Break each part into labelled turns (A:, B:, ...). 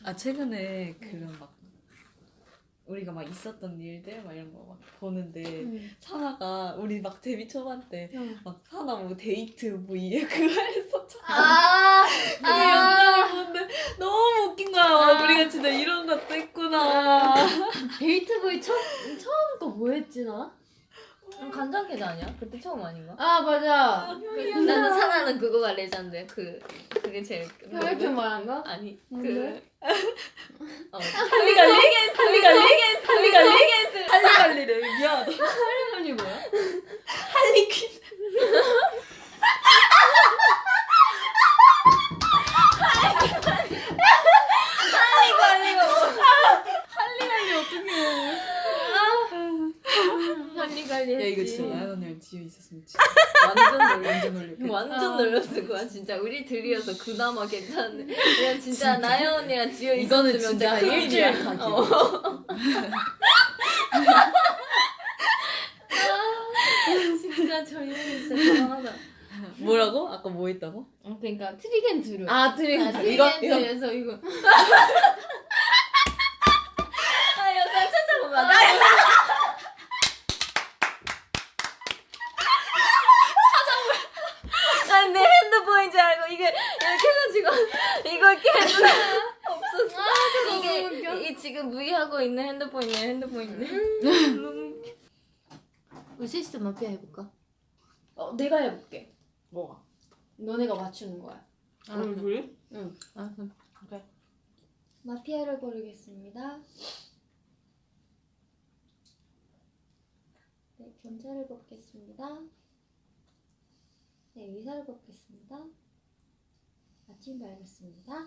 A: 최근에 그런 막 우리가 막 있었던 일들 막 이런 거 막 보는데 사나가 우리 막 데뷔 초반 때 막 사나 뭐 데이트 뭐 이게 그거 했었잖아. 그 영상을 보는데 너무 웃긴 거야. 우리가 진짜 이런 것도 했구나.
B: 데이트 보이 처음 거 뭐 했지 나?
C: 간장게장 아니야? 그때 처음 아닌가?
B: 아 맞아.
C: 나는 사나는 그거가 레전드. 그게 제일.
B: 이렇게 말한 거?
C: 아니
B: 뭔데?
A: 할리갈리? 할리갈리를 미안하다.
B: 할리갈리 뭐야?
A: 할리퀸. 할리갈리 어떡해.
B: 할리갈리
A: 야
B: 했지.
A: 이거 진짜 나연 언니랑 지효 있었으면 진짜
C: 완전
A: 놀렸겠다.
C: 완전 놀렸을 거야 진짜. 우리 둘이어서 그나마 괜찮은데 그냥 진짜 나연 언니랑 지효
A: 이거는
C: 있었으면
A: 진짜
C: 큰일이야.
A: 일주일 가기.
C: 진짜 저희는 진짜 대단하다.
A: 뭐라고? 아까 뭐 했다고?
B: 그러니까 트리겐트루.
A: 트리겐트. 이거
B: 트리겐트에서 이거.
C: 아 영상 찾아보면 난 내 핸드폰인 줄 알고 이게 이렇게 해가지고 이걸 깨서 없었어. 이게 이 지금 무이하고 있는 핸드폰이네. 너무 웃겨.
B: 우리 셋이서 마피아 해볼까?
C: 내가 해볼게.
A: 뭐가?
B: 너네가 맞추는 거야.
A: 그래?
B: 응.
A: 그래.
B: 마피아를 고르겠습니다. 네, 경찰을 뽑겠습니다. 네, 의사를 뽑겠습니다. 아침 밝았습니다.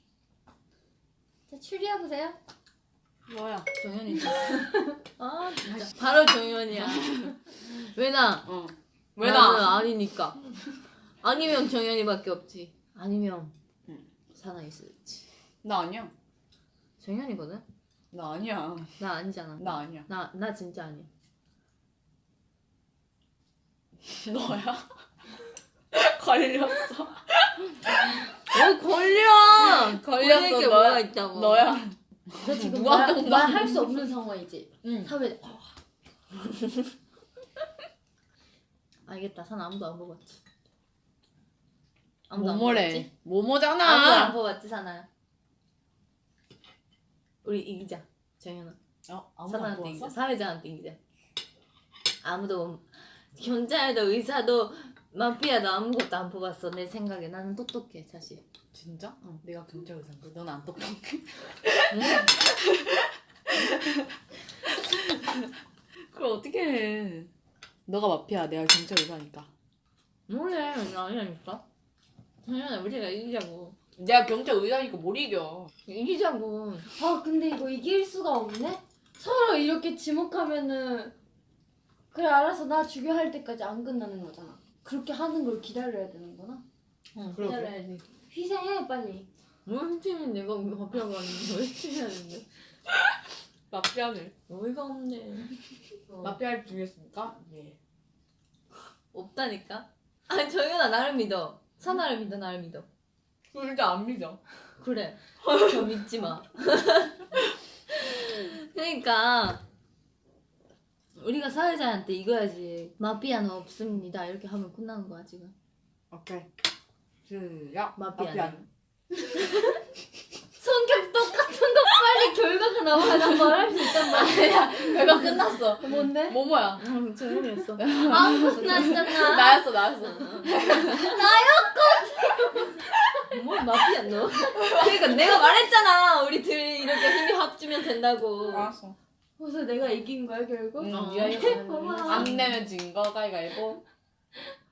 B: 자, 추리해보세요.
A: 뭐야?
C: 정현이지. 아 진짜. 바로 정현이야. 왜 나?
A: 왜
C: 나는
A: 나?
C: 아니니까. 아니면 정현이밖에 없지. 아니면
A: 응.
C: 사나 있을지.
A: 나 아니야.
C: 정현이거든.
A: 나 아니야.
C: 나 아니잖아.
A: 나 아니야.
C: 나 진짜 아니야.
A: 너야? 걸렸어.
C: 걸려.
A: 걸렸어,
C: 게
A: 너야.
C: 뭐가 있다고.
A: 너야.
B: 너 지금
A: 누가 또 나-
B: 말할 수 없는 상황이지?
A: 응.
B: 사회.
C: 알겠다. 사나 아무도 안 뽑았지. 아무도 안
A: 뭐뭐래?
C: 뽑았지? 아무도 안
A: 뭐뭐잖아.
C: 뽑았지 사나야. 우리 이기자. 정현아.
A: 아무도 안
C: 사나한테 이기자.
A: 뽑았어?
C: 사회자한테 이기자. 아무도 경찰도 의사도 마피아도 아무것도 안 뽑았어. 내 생각에 나는 똑똑해 사실.
A: 진짜? 내가 경찰 의사인데 넌 안 똑똑해. 그걸 어떻게 해? 너가 마피아, 내가 경찰 의사니까.
C: 뭐래? 아니라니까. 정현아 우리가 이기자고.
A: 내가 경찰 의사니까 뭘 이겨?
C: 이기자고.
B: 아 근데 이거 이길 수가 없네? 서로 이렇게 지목하면은 그래 알아서 나 죽여 할 때까지 안 끝나는 거잖아. 그렇게 하는 걸 기다려야 되는구나.
C: 응
A: 그러게.
C: 기다려야지.
B: 희생해 빨리.
C: 뭘 팀이 내가 마피아가 아닌데 왜 팀해야 되는데?
A: 마피아를.
C: 어이가 없네.
A: 마피아를 죽였습니까? 예.
C: 없다니까? 아니 정현아 나를 믿어. 사나를 믿어 나를 믿어.
A: 진짜 안 믿어.
C: 그래. 저 믿지 마. 그러니까 우리가 사회자한테 이거야지. 마피아는 없습니다. 이렇게 하면 끝나는 거야 지금.
A: 오케이. 시작.
C: 마피아는.
B: 성격 똑같은 거 빨리 결과가 나와야 말할 수 있단 말이야.
A: 결과 끝났어.
B: 뭔데?
A: 뭐뭐야?
C: 정현이었어.
B: 아무것도 났잖아.
A: 나였어.
C: 뭘 마피아 너? 그러니까 내가 말했잖아. 우리 둘 이렇게 힘이 합주면 된다고.
A: 알았어.
B: 그래서 내가 이긴 거야 결국?
A: 응,
C: 어.
A: 네가 이겼어.
B: 고마워.
A: 안 내면 진 거 가위가위보.